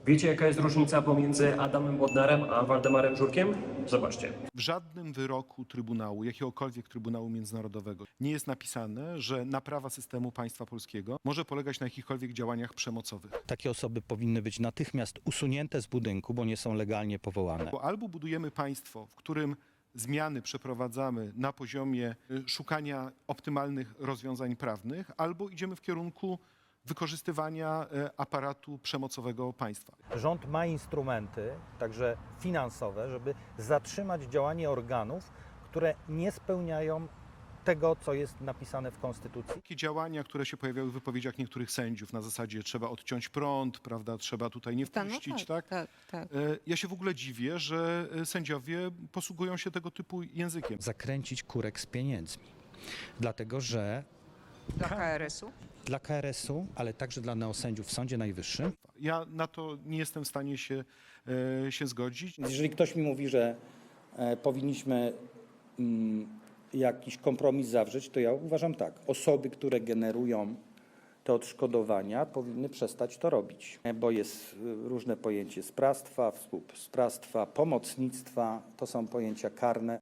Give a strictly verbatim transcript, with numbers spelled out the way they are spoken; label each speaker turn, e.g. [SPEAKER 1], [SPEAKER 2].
[SPEAKER 1] Wiecie, jaka jest różnica pomiędzy Adamem Bodnarem a Waldemarem Żurkiem? Zobaczcie.
[SPEAKER 2] W żadnym wyroku Trybunału, jakiegokolwiek Trybunału Międzynarodowego nie jest napisane, że naprawa systemu państwa polskiego może polegać na jakichkolwiek działaniach przemocowych.
[SPEAKER 3] Takie osoby powinny być natychmiast usunięte z budynku, bo nie są legalnie powołane.
[SPEAKER 2] Bo albo budujemy państwo, w którym zmiany przeprowadzamy na poziomie y, szukania optymalnych rozwiązań prawnych, albo idziemy w kierunku wykorzystywania y, aparatu przemocowego państwa.
[SPEAKER 3] Rząd ma instrumenty, także finansowe, żeby zatrzymać działanie organów, które nie spełniają tego, co jest napisane w Konstytucji.
[SPEAKER 2] Takie działania, które się pojawiały w wypowiedziach niektórych sędziów na zasadzie trzeba odciąć prąd, prawda, trzeba tutaj nie
[SPEAKER 4] Ta, no
[SPEAKER 2] wpuścić,
[SPEAKER 4] tak,
[SPEAKER 2] tak?
[SPEAKER 4] tak, tak.
[SPEAKER 2] E, Ja się w ogóle dziwię, że e, sędziowie posługują się tego typu językiem.
[SPEAKER 3] Zakręcić kurek z pieniędzmi. Dlatego, że
[SPEAKER 4] Dla K R S-u?
[SPEAKER 3] dla K R S-u, ale także dla neosędziów w Sądzie Najwyższym,
[SPEAKER 2] Ja na to nie jestem w stanie się, e, się zgodzić.
[SPEAKER 5] Jeżeli ktoś mi mówi, że e, powinniśmy mm, jakiś kompromis zawrzeć, to ja uważam tak. Osoby, które generują te odszkodowania, powinny przestać to robić, e, bo jest e, różne pojęcie sprawstwa, współsprawstwa, pomocnictwa, to są pojęcia karne.